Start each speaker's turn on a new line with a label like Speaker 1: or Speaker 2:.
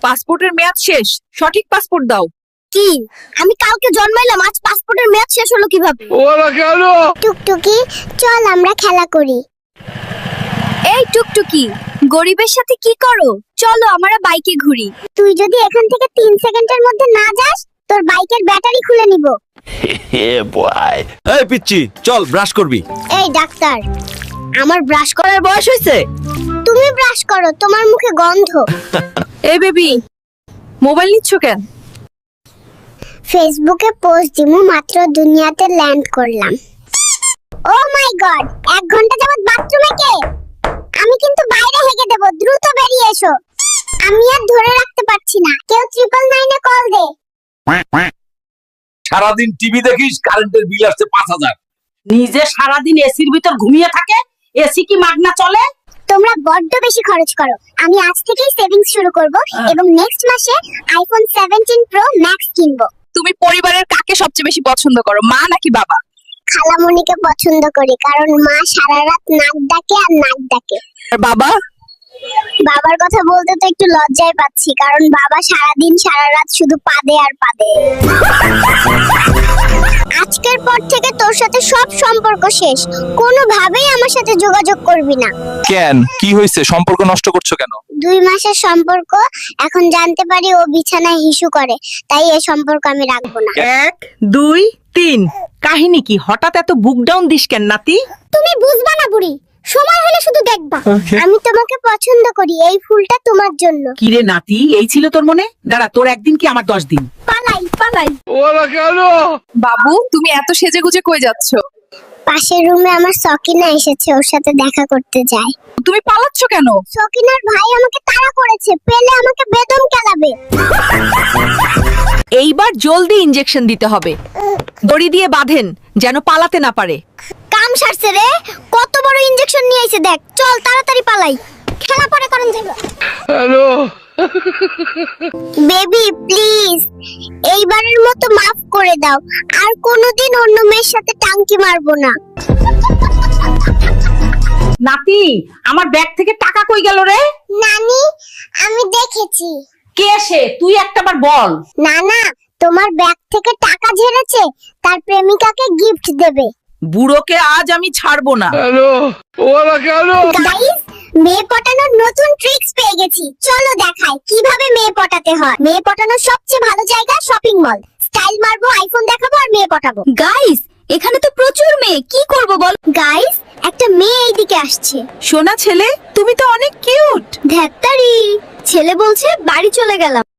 Speaker 1: পাসপোর্টের মেয়াদ শেষ, সঠিক পাসপোর্ট দাও।
Speaker 2: কি? আমি কালকে জন্মাইলাম, আজ পাসপোর্টের মেয়াদ শেষ হলো কিভাবে?
Speaker 3: ওরা কেন?
Speaker 2: টুকটুকি, চল আমরা খেলা করি। এই টুকটুকি, গরিবের সাথে কি করো? চলো আমরা বাইকে ঘুরি। তুই যদি এখান থেকে 3 সেকেন্ডের মধ্যে না যাস, তোর বাইকের ব্যাটারি খুলে নিব।
Speaker 4: এই পিচ্চি, চল ব্রাশ করবি।
Speaker 2: এই ডাক্তার, আমার ব্রাশ
Speaker 1: করার বয়স হয়েছে?
Speaker 2: তুমি ব্রাশ করো, তোমার মুখে গন্ধ।
Speaker 1: এই বেবি, মোবাইল নিচ্ছ কেন?
Speaker 2: ফেসবুকে পোস্ট দিমু, মাত্র দুনিয়াতে ল্যান্ড করলাম। ও মাই গড, 1 ঘন্টা যাবত বাথরুমে কে? আমি কিন্তু বাইরে হেগে দেব, দ্রুত বেরিয়ে এসো। আমি আর ধরে রাখতে পারছি না, কেউ 999 এ কল দে।
Speaker 4: সারাদিন টিভি দেখিস, কারেন্টের বিল আসছে 5000।
Speaker 5: নিজে সারাদিন এসির ভিতর ঘুমিয়ে থাকে, এসি কি মাগনা চলে?
Speaker 2: তোমরা বড্ড বেশি খরচ করো। আমি আজ থেকেই সেভিংস শুরু করব এবং নেক্সট মাসে আইফোন 17 প্রো ম্যাক্স কিনবো।
Speaker 1: তুমি পরিবারের কাকে সবচেয়ে বেশি পছন্দ করো, মা নাকি বাবা?
Speaker 2: খালামণিকে পছন্দ করি, কারণ মা সারা রাত নাক ডাকে আর নাক ডাকে।
Speaker 1: আর বাবা?
Speaker 2: বাবার কথা বলতে তো একটু লজ্জায় পাচ্ছি, কারণ বাবা সারাদিন সারা রাত শুধু পাদে আর পাদে। আজকের পর থেকে তোর সাথে সব সম্পর্ক শেষ, কোনোভাবেই আমার সাথে যোগাযোগ করবি না।
Speaker 4: কেন, কি হয়েছে? সম্পর্ক নষ্ট করছো কেন?
Speaker 2: 2 মাসের সম্পর্ক, এখন জানতে পারি ও বিছানায় হিসু করে, তাই এই সম্পর্ক আমি রাখবো না।
Speaker 5: 1 2 3। কাহিনী কি? হঠাৎ এত বুক ডাউন দিস কেন নাতি?
Speaker 2: তুমি বুঝবা না বুড়ি, সময় হলে শুধু দেখবা। আমি তোমাকে পছন্দ করি, এই ফুলটা তোমার জন্য।
Speaker 5: কি রে নাতি, এই ছিল তোর মনে? দাঁড়া, তোর একদিন কি আমার 10 দিন।
Speaker 2: পালাই পালাই।
Speaker 3: ওরা কেন?
Speaker 1: বাবু, তুমি এত সেজেগুজে কই যাচ্ছ?
Speaker 2: পাশের রুমে আমার সকিনা এসেছে, ওর সাথে দেখা করতে যাই।
Speaker 1: তুমি পালাচ্ছ কেন?
Speaker 2: সকিনার ভাই আমাকে তাড়া করেছে, পেলে আমাকে বেদম কেলাবে।
Speaker 6: এইবার জলদি ইনজেকশন দিতে হবে, দড়ি দিয়ে বাঁধেন যেন পালাতে না পারে।
Speaker 2: কাম সারছে রে, কত বড় ইনজেকশন নিয়ে আইছে দেখ। চল তাড়াতাড়ি পালাই, খেলা পরে করেন যাইব।
Speaker 3: হ্যালো?
Speaker 2: বেবি প্লিজ, এইবারের মতো মাফ করে দাও, আর কোনোদিন অন্য মেয়ের সাথে টাঙ্কি মারবো না।
Speaker 5: নাতি, আমার ব্যাগ থেকে টাকা কই গেল রে?
Speaker 2: নানি, আমি দেখেছি।
Speaker 5: কে সে? তুই একটাবার বল।
Speaker 2: না না, তোমার ব্যাগ থেকে টাকা ঝেড়েছে, তার প্রেমিকাকে গিফট দেবে।
Speaker 6: বুড়োকে আজ আমি ছাড়বো না।
Speaker 3: হ্যালো? ওরা কেন?
Speaker 2: গাইস, মেয়ে পটানোর নতুন ট্রিক্স পেয়ে গেছি, চলো দেখাই কিভাবে মেয়ে পটাতে হয়। মেয়ে পটানোর সবচেয়ে ভালো জায়গা শপিং মল। স্টাইল মারবো, আইফোন দেখাবো আর মেয়ে পটাবো। গাইস, এখানে তো প্রচুর মেয়ে, কি করব বল? গাইস, একটা মেয়ে এইদিকে আসছে।
Speaker 6: সোনা ছেলে, তুমি তো অনেক কিউট।
Speaker 2: ধ্যাত্তারি, ছেলে বলছে বাড়ি চলে গেলাম।